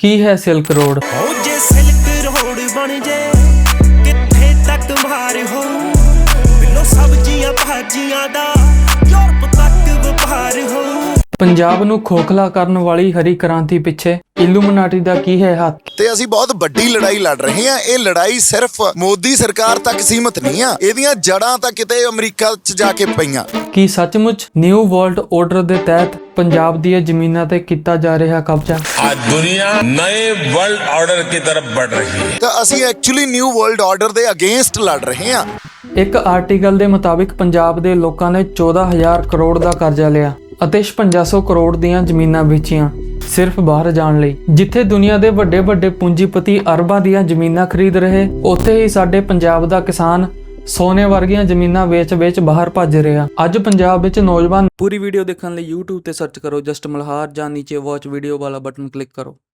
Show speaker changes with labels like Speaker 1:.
Speaker 1: ਕੀ ਹੈ silk road?
Speaker 2: ਹੋ ਜੇ ਸਿਲਕ ਰੋਡ ਬਣ ਜੇ ਕਿੱਥੇ ਤੱਕ ਮਾਰ ਹੋ ਬਿੱਲੋ ਸਬਜ਼ੀਆਂ ਭਾਜੀਆਂ ਦਾ ਯੂਰਪ ਤੱਕ ਵਪਾਰ ਹੋ।
Speaker 1: ਪੰਜਾਬ ਨੂੰ ਖੋਖਲਾ ਕਰਨ ਵਾਲੀ ਹਰੀ ਕ੍ਰਾਂਤੀ ਪਿੱਛੇ ਇਲੂਮਨਾਟੀ ਦਾ ਕੀ ਹੈ ਹੱਥ?
Speaker 3: ਤੇ ਅਸੀਂ ਬਹੁਤ ਵੱਡੀ ਲੜਾਈ ਲੜ ਰਹੇ ਹਾਂ। ਇਹ ਲੜਾਈ ਸਿਰਫ ਮੋਦੀ ਸਰਕਾਰ ਤੱਕ ਸੀਮਤ ਨਹੀਂ ਆ, ਇਹਦੀਆਂ ਜੜਾਂ ਤਾਂ ਕਿਤੇ ਅਮਰੀਕਾ 'ਚ ਜਾ ਕੇ ਪਈਆਂ।
Speaker 1: ਕੀ ਸੱਚਮੁੱਚ ਨਿਊ ਵਰਲਡ ਆਰਡਰ ਦੇ ਤਹਿਤ ਪੰਜਾਬ ਦੀਆਂ ਜ਼ਮੀਨਾਂ ਤੇ ਕੀਤਾ ਜਾ ਰਿਹਾ ਕਬਜ਼ਾ?
Speaker 4: आज दुनिया नए वर्ल्ड ऑर्डर की तरफ बढ़ रही है।
Speaker 3: ਤਾਂ ਅਸੀਂ ਐਕਚੁਅਲੀ ਨਿਊ ਵਰਲਡ ਆਰਡਰ ਦੇ ਅਗੇਂਸਟ ਲੜ ਰਹੇ ਹਾਂ।
Speaker 1: ਇੱਕ ਆਰਟੀਕਲ ਦੇ ਮੁਤਾਬਿਕ ਪੰਜਾਬ ਦੇ ਲੋਕਾਂ ਨੇ 14,000 ਕਰੋੜ ਦਾ ਕਰਜ਼ਾ ਲਿਆ ਅਤੇ 5600 ਕਰੋੜ ਦੀਆਂ ਜ਼ਮੀਨਾਂ ਵੇਚੀਆਂ ਸਿਰਫ ਬਾਹਰ ਜਾਣ ਲਈ। ਜਿੱਥੇ ਦੁਨੀਆ ਦੇ ਵੱਡੇ ਵੱਡੇ ਪੂੰਜੀਪਤੀ ਅਰਬਾਂ ਦੀਆਂ ਜ਼ਮੀਨਾਂ ਖਰੀਦ ਰਹੇ, ਉੱਥੇ ਹੀ ਸਾਡੇ ਪੰਜਾਬ ਦਾ ਕਿਸਾਨ ਸੋਨੇ ਵਰਗੀਆਂ ਜ਼ਮੀਨਾਂ ਵੇਚ ਬਾਹਰ ਭੱਜ ਰਿਹਾ। ਅੱਜ ਪੰਜਾਬ ਵਿੱਚ ਨੌਜਵਾਨ। ਪੂਰੀ ਵੀਡੀਓ ਦੇਖਣ ਲਈ YouTube ਤੇ ਸਰਚ ਕਰੋ ਜਸਟ ਮਲਹਾਰ ਜਾਂ ਨੀਚੇ ਵਾਚ ਵੀਡੀਓ ਵਾਲਾ ਬਟਨ ਕਲਿੱਕ ਕਰੋ।